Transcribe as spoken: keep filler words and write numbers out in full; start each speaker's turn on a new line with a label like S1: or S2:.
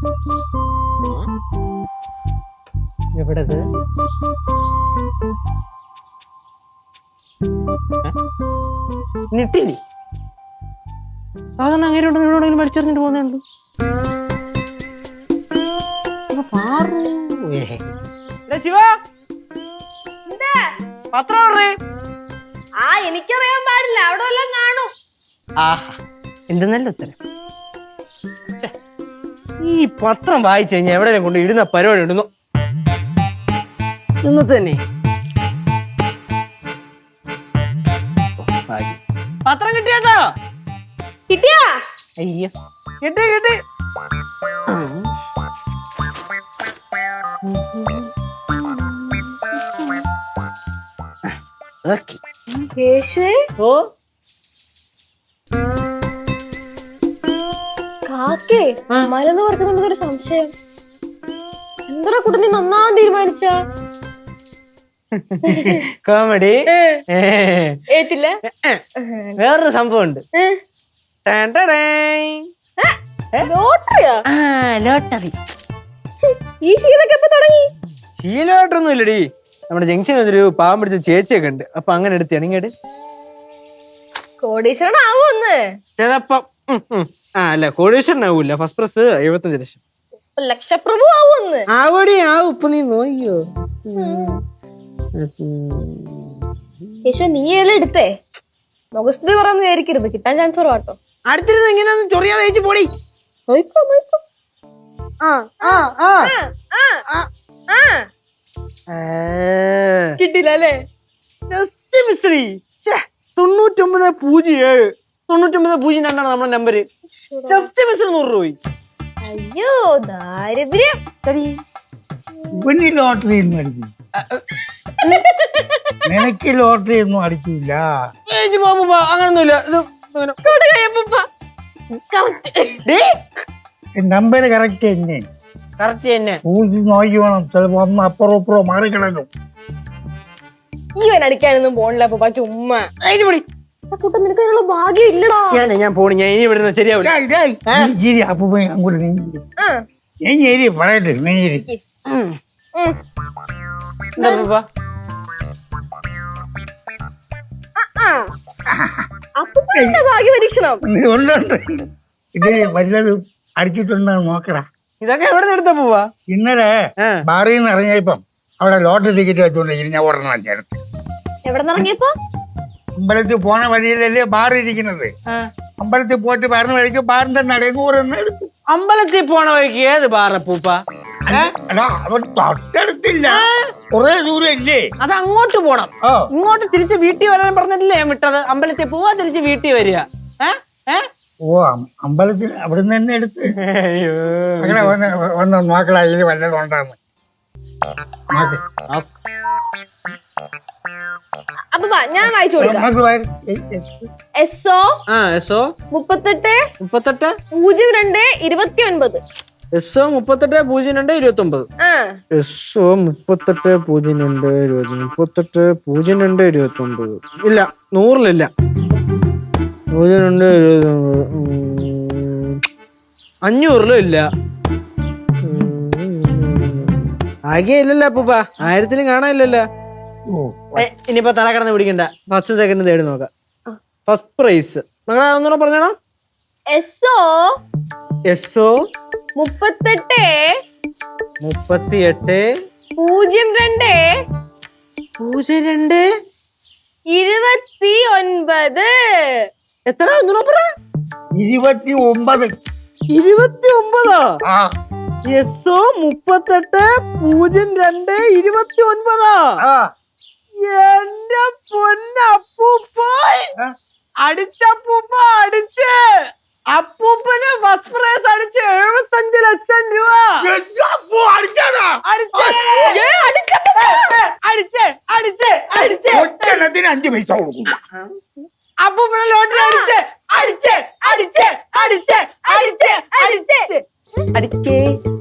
S1: എവിടത്? നിട്ടില്ലേ? സാധാരണ അങ്ങനെ ഉണ്ടെന്ന് എവിടെയെങ്കിലും മരിച്ചെറിഞ്ഞിട്ട് പോകുന്നുണ്ട്. ശിവ പത്രം
S2: ആ എനിക്കറിയാൻ പാടില്ല, അവിടെ വല്ലതും കാണും.
S1: ആഹാ, എന്തെന്നല്ല ഉത്തരം. ഈ പത്രം വായിച്ചു കഴിഞ്ഞാൽ എവിടെയെങ്കിലും കൊണ്ട് ഇടുന്ന പരിപാടി ഉണ്ടെന്നോ ഇന്നത്തെ തന്നെ. പത്രം കിട്ടിയാട്ടോ?
S2: കിട്ടിയാ?
S1: അയ്യോ, കിട്ടി കിട്ടി.
S2: കേശുവേ,
S1: ഓ
S2: കാക്കേ മലന്ന് പറക്കുന്നത് ഒരു സംശയം. എന്താ കുട്ടി നീ നന്നാൻ തീരുമാനിച്ച?
S1: കോമഡി
S2: ഏറ്റില്ല.
S1: വേറൊരു സംഭവം ഉണ്ട്.
S2: ലോട്ടറിയാ?
S1: ലോട്ടറി.
S2: ഈ ശീലൊക്കെ എപ്പോ തുടങ്ങി?
S1: ശീലമായിട്ടൊന്നും ഇല്ലടി. നമ്മുടെ ജംഗ്ഷനിൽ ഒരു പാവം പിടിച്ച ചേച്ചിയൊക്കെ ഉണ്ട്. അപ്പൊ അങ്ങനെ എടുത്ത് ഇണങ്ങിയിട്ട്
S2: കോടീശ്വരനാവൂന്ന്
S1: ചിലപ്പം. ആ അല്ല, കോടീശ്വരനാവൂല. ഫസ്റ്റ് പ്രൈസ് എഴുപത്തഞ്ച് ലക്ഷം.
S2: ലക്ഷപ്രഭു ആവൂന്ന്.
S1: ആവടി ആവും. ഇപ്പൊ നീ നോക്കിയോ?
S2: യേശു നീ എല്ലാം എടുത്തേ. മുഖസ്തുതി പറയാന്ന് വിചാരിക്കരുത്, കിട്ടാൻ ചാൻസ് കുറവാട്ടോ.
S1: അടുത്തിരുന്ന് ഇങ്ങനെ ചൊറിയാതെ ചേച്ചി പോടി.
S2: നോയിക്കോ നോയിക്കോ. കിട്ടില്ല അല്ലേ?
S1: തൊണ്ണൂറ്റൊമ്പത് പൂജ്യം ഏഴ് തൊണ്ണൂറ്റൊമ്പത് പൂജ്യം രണ്ടാണ് നമ്മുടെ നമ്പര്. ജസ്റ്റ് മിസ് നൂറ് രൂപ.
S2: അയ്യോ ദാരിദ്ര്യം.
S3: ലോട്ടറി ഒന്നും അടിക്കും. നിനക്ക് ലോട്ടറി ഒന്നും അടിക്കൂല.
S1: അങ്ങനൊന്നുമില്ല.
S3: നമ്പര് കറക്റ്റ് തന്നെ.
S1: കറക്റ്റ് തന്നെ.
S3: ഊതി നോക്കി വേണം. ചിലപ്പോ ഒന്ന് അപ്പുറം ഇപ്പുറം മാറിക്കിടക്കും.
S2: ഈവൻ അടിക്കാനൊന്നും പോണില്ല അപ്പൊ ചുമ്മാ. കുട്ട നിനക്ക് അതിനുള്ള ഭാഗ്യം ഇല്ലടാ.
S1: ഞാൻ ഞാൻ പോണി. ഞാൻ ഇനി ഇവിടുന്ന് ശരിയാവില്ല.
S3: അപ്പൊ അങ്ങോട്ട് നീങ്ങി ഞാൻ ഏരി പറയട്ടെ. നീരി
S2: ഭാഗ്യ പരീക്ഷണം
S3: ഉണ്ടുണ്ട്. ഇത് വല്ലതും അടിച്ചിട്ടുണ്ടോ നോക്കടാ.
S1: ഇതൊക്കെ എവിടെ നിന്ന് എടുത്താ പോവാ?
S3: ഇന്നലെ ബാറിൽ നിന്ന് ഇറങ്ങിയപ്പം അവിടെ ലോട്ടറി ടിക്കറ്റ് വെച്ചോണ്ടിരിക്കുന്നു. ഞാൻ ഒരെണ്ണം ചേർത്ത്.
S2: എവിടെ നിന്ന് ഇറങ്ങിയപ്പോ?
S3: അമ്പലത്തിൽ പോണ വഴിയിലല്ലേ ബാർ ഇരിക്കുന്നത്. അമ്പലത്തിൽ പോയിട്ട് പറഞ്ഞ വഴിക്ക് ബാറിന്റെ നടങ്ങൂറെന്ന് എടുത്തു.
S1: അമ്പലത്തിൽ പോണ വഴിക്ക് ഏത് ബാറപ്പൂപ്പ?
S3: തൊട്ടടുത്തില്ല, കൊറേ ദൂരം ഇല്ലേ.
S1: അത് അങ്ങോട്ട് പോണം. ഇങ്ങോട്ട് തിരിച്ച് വീട്ടിൽ വരാൻ പറഞ്ഞിട്ടില്ലേ ഞാൻ വിട്ടത്? അമ്പലത്തിൽ പോവാ, തിരിച്ച് വീട്ടിൽ വരിക.
S3: ഓ, അമ്പലത്തിൽ അവിടെ നിന്ന് തന്നെ എടുത്ത് അങ്ങനെ വന്ന് വന്ന് നോക്കടാ. ഇത് വല്ലതും ഉണ്ടാന്ന്
S2: അപ്പൊ ഞാൻ വായിച്ചു കൊടുക്കാം. എസ് ഒ മുപ്പത്തെട്ട് മുപ്പത്തെട്ട് പൂജ്യം രണ്ട് ഇരുപത്തി ഒൻപത്.
S1: എസ് ഒ മുപ്പത്തെട്ട് പൂജ്യം രണ്ട് ഇരുപത്തി ഒമ്പത്. എസ് ഒ മുപ്പത്തെട്ട് പൂജ്യം രണ്ട് ഇരുപത്തി മുപ്പത്തെട്ട് പൂജ്യം രണ്ട് ഇരുപത്തി ഒമ്പത്. ഇല്ല, നൂറിലില്ല. പൂജ്യം രണ്ട് ഇരുപത്തി ഒമ്പത്. അഞ്ഞൂറിലും ഇല്ല. ആകെ ഇല്ലല്ലോ അപ്പൂപ്പ. ആയിരത്തിലും കാണാനില്ലല്ലോ. ഇനിയിപ്പോ തല കടന്ന് പിടിക്കണ്ട. ഫസ്റ്റ് സെക്കൻഡ് തേടി നോക്കാം. ഫസ്റ്റ് പ്രൈസ് മകളെ ഒന്നുകൂടെ പറഞ്ഞോ.
S2: എസ് ഒ
S1: എസ് ഒ
S2: മുപ്പത്തെട്ട്
S1: മുപ്പത്തിയെട്ട്
S2: പൂജ്യം രണ്ട്
S1: പൂജ്യം രണ്ട്
S2: ഇരുപത്തി ഒൻപത്.
S1: എത്ര? ഒന്നുകൂടെ പറ.
S3: ഇരുപത്തി ഒമ്പത്.
S1: ഇരുപത്തി ഒമ്പതോ? എസ് ഒ മുപ്പത്തെട്ട് പൂജ്യം രണ്ട് ഇരുപത്തി ഒൻപതോ? എന്റെ പൊന്നപ്പൂപ്പ അടിച്ചപ്പൂപ്പ അടിച്ച്. അപ്പൂപ്പന് ഫസ്റ്റ് പ്രൈസ് അടിച്ച് എഴുപത്തഞ്ച് ലക്ഷം രൂപ അടിച്ചേ അടിച്ചേ അടിച്ചേ
S3: അഞ്ച് പൈസ കൊടുക്കും.
S1: അപ്പൂപ്പനെ ലോട്ടറി അടിച്ചേ അടിച്ചേ അടിച്ചേ അടിച്ചേ അടിച്ചേ അടിച്ചേ അടിച്ചേ അടിച്ചേ